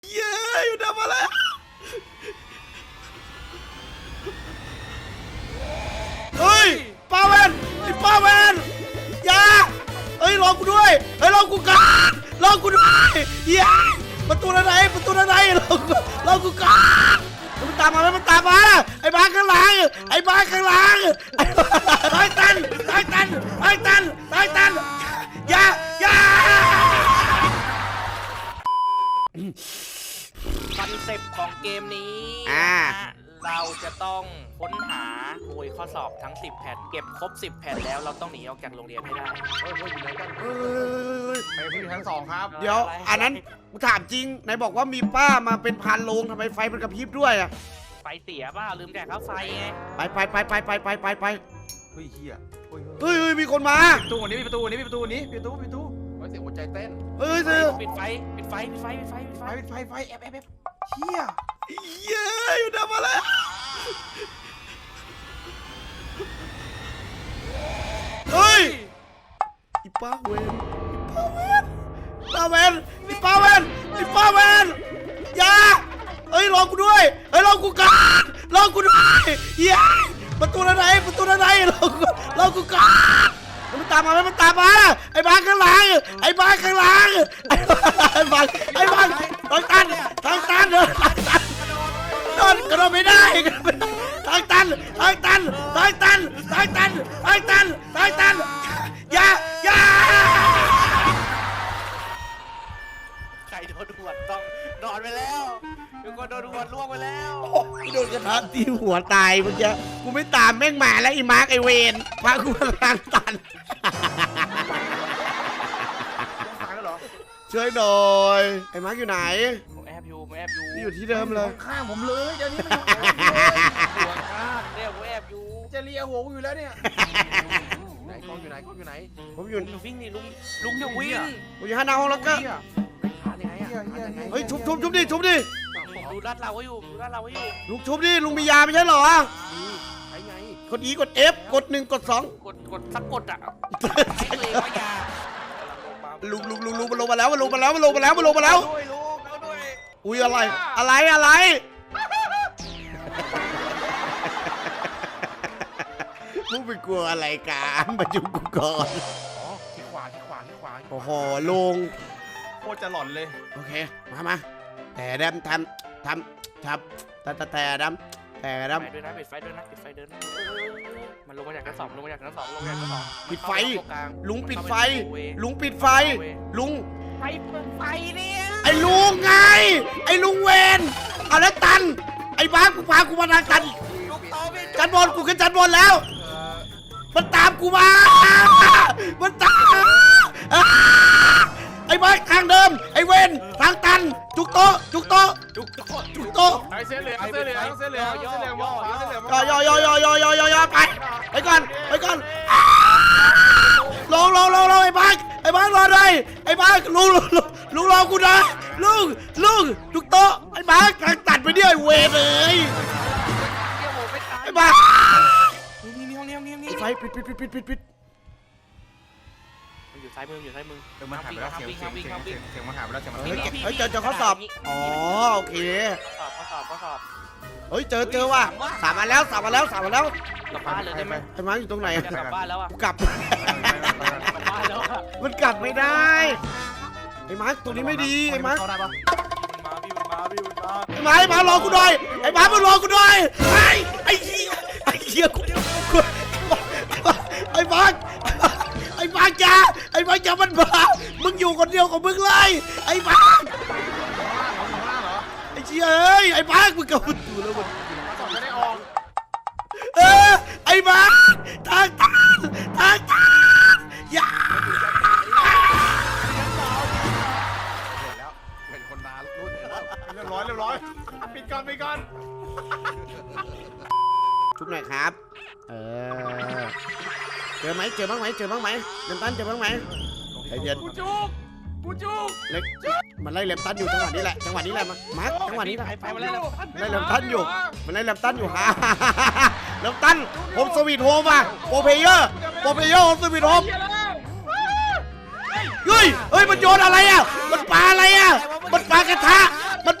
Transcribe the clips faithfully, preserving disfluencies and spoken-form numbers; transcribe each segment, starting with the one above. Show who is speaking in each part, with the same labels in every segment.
Speaker 1: เย้อยู่ทำอะไรเฮ้ยป้าเวนไอ้ป้าเวนอย่าเฮ้ยรอกูด้วยเฮ้ยรอกูก่อนรอกูด้วยเย้ประตูไหนประตูไหนรอกูรอกูก่อนมันตามมาแล้วมันตามมาไอ้บ้าข้างหลังไอ้บ้าข้างหลังตายตันตายตันตายตันตายตันอย่าอย่า
Speaker 2: คอนเซปต์ของเกมนี้
Speaker 1: อ่า
Speaker 2: เราจะต้องค้นหาโวยข้อสอบทั้งสิบแผ่นเก็บครบสิบแผ่นแล้วเราต้องหนีออกจากโรงเรียนให้ได้
Speaker 3: เฮ้ยเฮ้ยอยู่ไหนกันไปพื้นชั้นสองครับ
Speaker 1: เดี๋ยวอันนั้นกูถามจริงไหนบอกว่ามีป้ามาเป็นพันโรงทำไมไฟมันกระพริบด้วยอะ
Speaker 2: ไฟเสียเปล่าลืมแจกค่าไฟไง
Speaker 1: ไปไปไปไปไปไปไปไป
Speaker 3: เฮ้ยเฮียเฮ้ย
Speaker 1: เฮ้ยเฮ้ยมีคนมา
Speaker 3: ประตูนี้มีประตูนี้มีประตูนี้มีประตูมีประตูเฮ้ยเสียงหัวใจเต้น
Speaker 1: เฮ้ยเสือ
Speaker 2: ปิดไฟปิดไฟปิดไฟปิดไฟปิดไฟ
Speaker 3: ไฟไฟไฟแอบแอบแอบเฮีย
Speaker 1: เย้อยู่ทำอะไรเฮ้ยอีป้าเวนอีป้าเวนอีป้าเวนอีป้าเวนอย่าเฮ้ยรอกูด้วยเฮ้ยรอกูก่อนรอกูด้วยเย้ประตูไหนประตูไหนรอกูรอกูก่อนมันตามมามันตามมาไอ้บ้าข้างหลังไอ้บ้าข้างหลังไอ้บ้าไอ้บ้าทางตันทางตันเดินทางตันโดนกระโดดไม่ได้ทางตันทางตันทางตันทางตันทางตันทางตันอย่าอย่า
Speaker 2: ใครโดนหวดต้องนอนไปแล้วมีคนโดนหวดล่วงไปแล้ว
Speaker 1: โดนกระทะตีหัวตายเมื่อกี้กูไม่ตามแม่งมาแล้วไอ้มาร์กไอ้เวนพากูมาทางตัน
Speaker 3: ตายแล้วเหรอ
Speaker 1: ช่วยหน่อยไอ้มาร์กอยู่ไหน
Speaker 2: ผมแอบอยู่ผมแอบอยู่
Speaker 1: นี่อยู่ที่เดิมเลย
Speaker 3: ข้างผมเลยเดี๋ยวนี้มันหัวข้าง
Speaker 2: เนี่ยผมแอบอยู่
Speaker 3: จะเลียหัวกูอยู่แล้วเนี่ยไหนกล้องอยู่ไหนกล้องอยู่ไหน
Speaker 1: ผมอยู่
Speaker 2: ลุงวิ่งนี่ลุงลุงอย่าวิ่ง
Speaker 1: ผมอยู่ห้าหน้าห้องแล้วก็
Speaker 3: หายังไงอ่ะหายังไง
Speaker 1: เฮ้ยชุบชุบชุบดิชุบดิ
Speaker 2: ผมดูลาดเราไว้อยู่ดูลาดเราไว้อยู่
Speaker 1: ลุงชุบดิลุงมียาไม่ใช่เหรอ
Speaker 3: ใช้ไง
Speaker 1: กด E กด F กดหนึ่งกดสอง
Speaker 2: กดกดสักกดอ่ะให้ตัวเองว่ายา
Speaker 1: ลุงลุงลุงลุงมันลงมาแล้วมันลงมาแล้วมันลงมาแล้วมันลงมาแล้ว
Speaker 3: ด้วยลูกเอาด้วย
Speaker 1: อุ้ยอะไรอะไรอะไรมึงไปกลัวอะไรกันมาจุกูก่อน
Speaker 3: อ๋อที่ขวาที่ขวาที่ขวา
Speaker 1: โอ้โหลุง
Speaker 3: โคตรจะหลอนเลย
Speaker 1: โอเคมามาแต่ดำทำทำทำแต่แต่ดำแต่ด
Speaker 2: ไฟด้วยนะปิดไฟด้วยนะปิดไฟเดินนะมันลงมาจากชั้นสองลงมาจากชั้นสองลงมาจากชั้นสอง
Speaker 1: ำปิดไฟลุงปิดไฟ ลุงปิดไฟ ลุง
Speaker 2: ไฟเปิดไฟเนี่ย
Speaker 1: ไอ้ลุงไงไอ้ลุงเวนเอาแล้วตันไอ้บ้ากูพากูมาทางตัน
Speaker 2: ลูกโตไม่
Speaker 1: จันบอลกูขึ้นจันบอลแล้ว
Speaker 3: เอ่อ
Speaker 1: มันตามกูมา มันตามไอ้บ้าทางเดิม ไอ้เวนทางตัน จุกโตะจุกโตะ
Speaker 2: จุกโต
Speaker 1: จุกโตะ
Speaker 3: ไอ้เส้นเหลืองเส้นเหลืองเส้นเหลืองเส้นเหลืองมองขวาเส้นเหลืองมอง
Speaker 1: ย่อย่อย่อย่อย่อย่อไป ไปก่อน ไปก่อนลงลงลงลงไอ้บ้าไอ้บ้ารอหน่อยไอ้บ้าลุงลุงลุงรอกูนะลุงลุงจุกโตะไอ้บ้าทางตัดไปเนี่ยไอ้เวนเลย
Speaker 2: เกี่ยวผมไม่ตาย
Speaker 1: ไอ้บ้า
Speaker 2: นี่นี่ห้องนี้ห้องนี้ห้องนี้
Speaker 1: ไฟปิดปิดปิดปิดปิดปิด
Speaker 2: มันอยู่ซ้ายมือมันอยู่ซ้ายมือ
Speaker 3: เออมันหายไปแล้วเสียงเสียงเสียงเสียงเสียงมันหายไปแล้วเสียงมัน
Speaker 1: เฮ้ย
Speaker 3: หายไปแล้ว
Speaker 1: เฮ้ยเจอเจอข้อสอบอ๋อโอเค
Speaker 2: ข้อสอบข้อสอบข้อสอบ
Speaker 1: เฮ้ยเจอเจอว่ะสามมาแล้วสามมาแล้วสามมาแล้ว
Speaker 2: กลับบ้านเลยได้ไหม
Speaker 1: ไอ้มาอยู่ตรงไหน
Speaker 2: จะกลับบ้านแล้วอ่ะ
Speaker 1: กูกลับ
Speaker 2: กลับบ้านแล้วอ่ะ
Speaker 1: มันกลับไม่ได้ไอ้มาร์คตรงนี้ไม่ดีไอ้มาร์ค
Speaker 3: เข้าได้ปะ
Speaker 2: มันมาพี่มันมาพี่มันมา
Speaker 1: ไอ้มาร์คไอ้มาร์ครอกูหน่อยไอ้มาร์คมารอกูหน่อยไอ้ไอ้เหี้ยไอ้เหี้ยกูกูไอ้มาร์คไอ้มาร์คจ้าไอ้มาร์คจ้ามันมามึงอยู่คนเดียวของมึงเลยไอ้มาร์ค
Speaker 3: ข้างล่างเหรอ
Speaker 1: ไอ้เชี่ยเอ้ยไอ้มาร์คมึงกลับมาดูแล้วมัน
Speaker 3: ข้างล่างเหรอไม่ได้ออก
Speaker 1: เออไอ้มาร์คทางตันทางตันอย่า
Speaker 3: เห็นแล้วเห็นคนมารุ่นเรียบร้อยเรียบร้อยปิดก่อนปิดก่อน
Speaker 1: ทุกหน่อยครับ เออ เจอไหมเจอบ้างไหมเจอบ้างไหมเลมตันเจอบ้างไหมใจเย็น
Speaker 3: กูจุกกูจุก
Speaker 1: เล็กมันไล่เลมตันอยู่จังหวะนี้แหละจังหวะนี้แหละมามาร์คจังหวะนี้แหละ
Speaker 2: ไปมาแล้ว
Speaker 1: ไล่เลมตันอยู่มันไล่เลมตันอยู่ฮ่าเลมตันผมสวีทโฮมอ่ะโปรเพเยอร์โปรเพเยอร์ผมสวีทโฮมเฮ้ยเฮ้ยมันโยนอะไรอ่ะมันปาอะไรอ่ะมันปากระทะมัน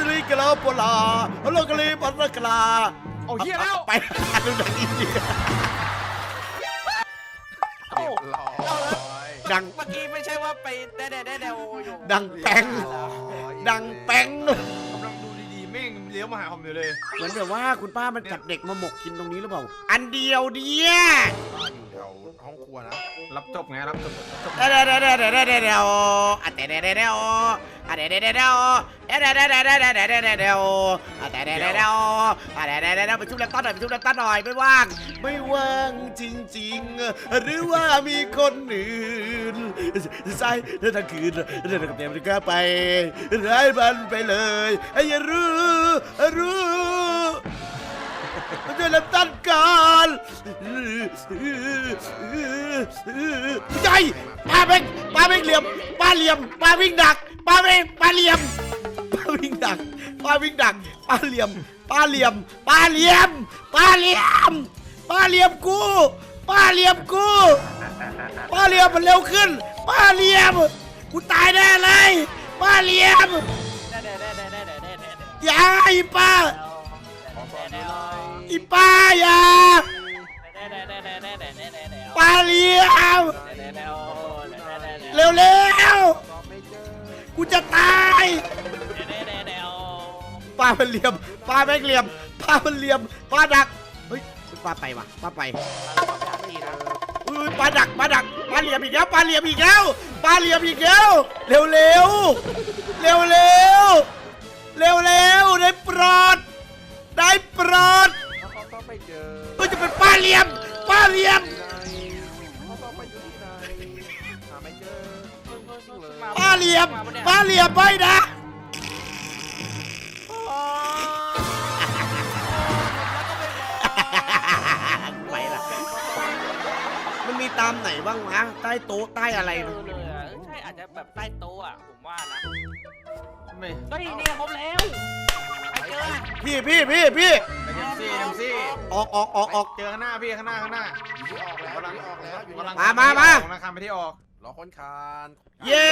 Speaker 1: สิริกะลาโปลาโลกะลีปัตตะกะลา
Speaker 3: เอาเฮียแล้ว
Speaker 1: ไปหาดูหนังอินเดีย
Speaker 2: เอ้า
Speaker 3: เรียบร้อย
Speaker 1: ดัง
Speaker 2: เมื่อกี้ไม่ใช่ว่าไปแด่แด่แด่แด่อยู่
Speaker 1: ดังแป้งดังแป้ง
Speaker 3: กำลังดูดีๆแม่งเลี้ยวมาหาผมอยู่เลย
Speaker 1: เหมือนแบบว่าคุณป้ามันจับเด็กมาหมกกินตรงนี้หรือเปล่าอันเดียวเดีย
Speaker 3: อยู่แถวห้องครัวนะ รับจบไงรับจบจบ
Speaker 1: เดี๋ยวเดี๋ยวเดี๋ยวเดี๋ยวเดี๋ยวเดี๋ยวเดี๋ยวอ่ะเดี๋ยวเดี๋ยวเดี๋ยวเดี๋ยวอ่ะเดี๋ยวเดี๋ยวเดี๋ยวเดี๋ยวเดี๋ยวเดี๋ยวเดี๋ยวเดี๋ยวเดี๋ยวเดี๋ยวเดี๋ยวอ่ะเดี๋ยวเดี๋ยวเดี๋ยวเดี๋ยวอ่ะเดี๋ยวเดี๋ยวเดี๋ยวเดี๋ยวไปชุบแล็ปท็อปหน่อยไปชุบแล็ปท็อปหน่อยไม่ว่างไม่ว่างจริงๆหรือว่ามีคนอื่นใส่เรื่องทั้งคืนเรื่องกับเต็มที่ก็ไปไร้มันไปเลยไอ้อย่ารู้รู้มันจะรับต้านการใจป้าเบ่งป้าเบ่งเหลี่ยมป้าเหลี่ยมป้าวิ่งดักป้าเบ่งป้าเหลี่ยมป้าวิ่งดักป้าวิ่งดักป้าเหลี่ยมป้าเหลี่ยมป้าเหลี่ยมป้าเหลี่ยมป้าเหลี่ยมกูป้าเหลี่ยมกูป้าเหลี่ยมมันเร็วขึ้นป้าเหลี่ยมกูตายแน่เลยป้าเหลี่ยมอย่าอีป้าอีป้าอย่าป้าเหลี่ยมเร็วเร็วๆกูจะตายป้ามันเหลี่ยมป้าแม่งเหลี่ยมป้ามันเหลี่ยมป้าดักเฮ้ยป้าไปว่ะป้าไปอุ้ยป้าดักป้าดักป้าเหลี่ยมอีกแล้วป้าเหลี่ยมอีกแล้วป้าเหลี่ยมอีกแล้วเร็วเร็วเร็วเร็วเร็วเร็วได้โปรดได้โปรด
Speaker 3: เขาต้องไปเจอ
Speaker 1: ก็จะเป็นป้าเหลี่ยมป้าเหลี่ยม
Speaker 3: เขาต้องไปอยู่ที่ไหนหาไม่เจอ
Speaker 1: ป้าเหลี่ยมป้าเหลี่ยมไม่นะไปละมันมีตามไหนบ้างวะใต้โต๊ะใต้อะไร
Speaker 2: เออเลยอ่ะใช่อาจจะแบบใต้โต๊ะอ่ะผมว่านะ
Speaker 3: ไม่
Speaker 2: เฮ้ยเนี่ยครบแล้วไปเจอ
Speaker 1: พี่พี่พี่พี่
Speaker 3: ไปเจมซี่เจมซี่
Speaker 1: ออกออกออกออก
Speaker 3: เจอข้างหน้าพี่ข้างหน้าข้างหน้า
Speaker 4: อยู่ที่ออกแล้วอยู่ที่ออกแล้วอยู่ที่
Speaker 3: กำลัง
Speaker 1: มามามา
Speaker 3: กำลังคำไปที่ออก
Speaker 4: รอคนคาน
Speaker 1: เย้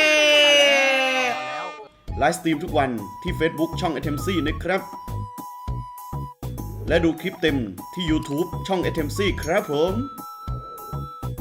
Speaker 4: แล้ว
Speaker 1: ไลฟ์สตรีมทุกวันที่ Facebook ช่อง เอ ที เอ็ม ซี นะครับ และดูคลิปเต็มที่ YouTube ช่อง เอ ที เอ็ม ซี ครับผม